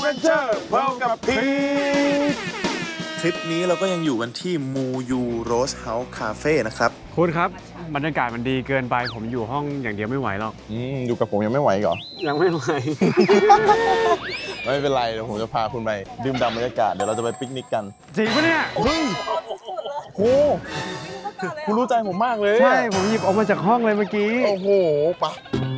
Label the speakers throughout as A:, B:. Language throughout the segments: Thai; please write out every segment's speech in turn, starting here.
A: เวนเจอร์พบกับพี
B: ทริปนี้เราก็ยังอยู่กันที่มูยูโรสเฮาส์คาเฟ่นะครับ
A: คุณครับบรรยากาศมันดีเกินไปผมอยู่ห้องอย่างเดียวไม่ไหวหรอก
C: อยู่กับผมยังไม่ไหวเหรอ
A: ยังไม่ไหว
C: ไม่เป็นไรเดี๋ยวผมจะพาคุณไปดื่มด่ำบรรยากาศเดี๋ยวเราจะไปปิกนิกกัน
A: จริงปะเนี่ย
C: เฮ้ยโหคุณรู้ใจผมมากเลย
A: ใช่ผมหยิบออกมาจากห้องเลยเมื่อกี้
C: โอ้โหปะ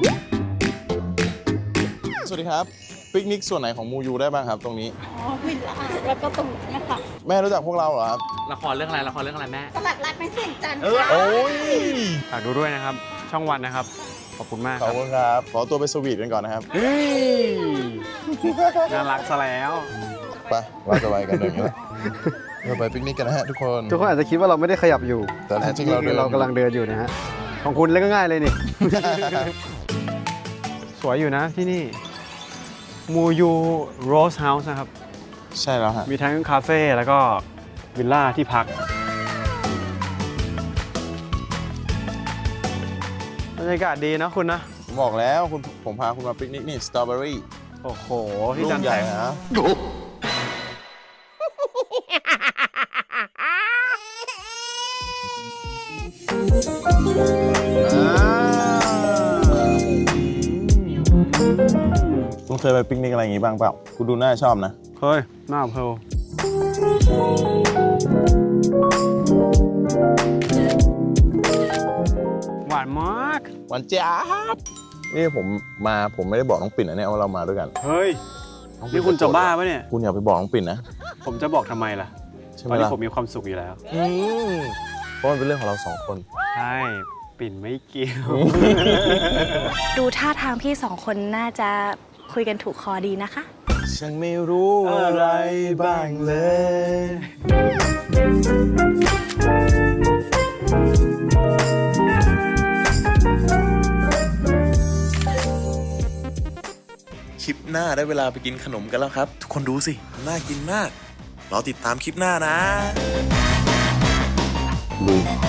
C: สวัสดีครับปิกนิกส่วนไหนของมูยูได้บ้างครับตรงนี้
D: วิลล่าแล้วก็ตรงนี้ค่ะ
C: แม่รู้จักพวกเราเหรอครับ
E: ละครเรื่องอะไรแม่
D: ตลาดรัดไม่เสี่ยงจันทร์
C: โอ้ย
A: ฝากดูด้วยนะครับ ช่องวันนะครับ ขอบคุณมาก
C: ข
A: ค
C: อบ
A: รับ
C: คุณครับขอตัวไปสวีทกันก่อนนะครับ
A: เฮ้ยน่ารักซะแล้ว
C: ไปเราจะไปกันอย่างนี้แหละเราไปปิกนิกกันนะฮะทุกคน
A: ทุกคนอาจจะคิดว่าเราไม่ได้ขยับอยู่
C: แต่แท้จริงเราเดิน
A: เรากำลังเดินอยู่นะฮะของคุณเล่นก็ง่ายเลยนี่ สวยอยู่นะที่นี่มูยูโรสเฮาส์นะครับ
C: ใช่แล้วฮะ
A: มีทั้งคาเฟ่แล้วก็วิลล่าที่พักบรรยากาศดีนะคุณนะ
C: ผมบอกแล้วผมพาคุณมาปิกนิกนี่สตรอเบอรี่
A: โอ้โห ที่
C: ลู
A: จั
C: ก
A: น
C: ใหญ่
A: แสง
C: นะ คุณเคยไปปิกนิกอะไรอย่างงี้บ้างเปล่า คุณดูน่าชอบนะ
A: เฮ้ยหน้าเพลหวานมาก
C: วันจ้าบนี่ผมไม่ได้บอกน้องปิ่นนะเนี่ยว่าเรามาด้วยกัน
A: เฮ้ย นี่คุณจะบ้าปะเนี่ย
C: คุณอย่าไปบอกน้องปิ่นนะ
A: ผมจะบอกทำไมล่ะ
C: ใช่
A: ต
C: ไห
A: อ
C: ม
A: นนี้
C: ล่ะ
A: ผมมีความสุขอยู่แล้ว
C: เพราะมันเป็นเรื่องของเราสองคน
A: ใช่ ปิ่นไม่เกี่ยว
D: ดูท่าทางพี่สองคนน่าจะคุยกันถูกคอดีนะคะ
C: ฉันไม่รู้อะไรบ้างเลย
B: คลิปหน้าได้เวลาไปกินขนมกันแล้วครับ ทุกคนดูสิ น่ากินมาก รอติดตามคลิปหน้านะ
C: ลุย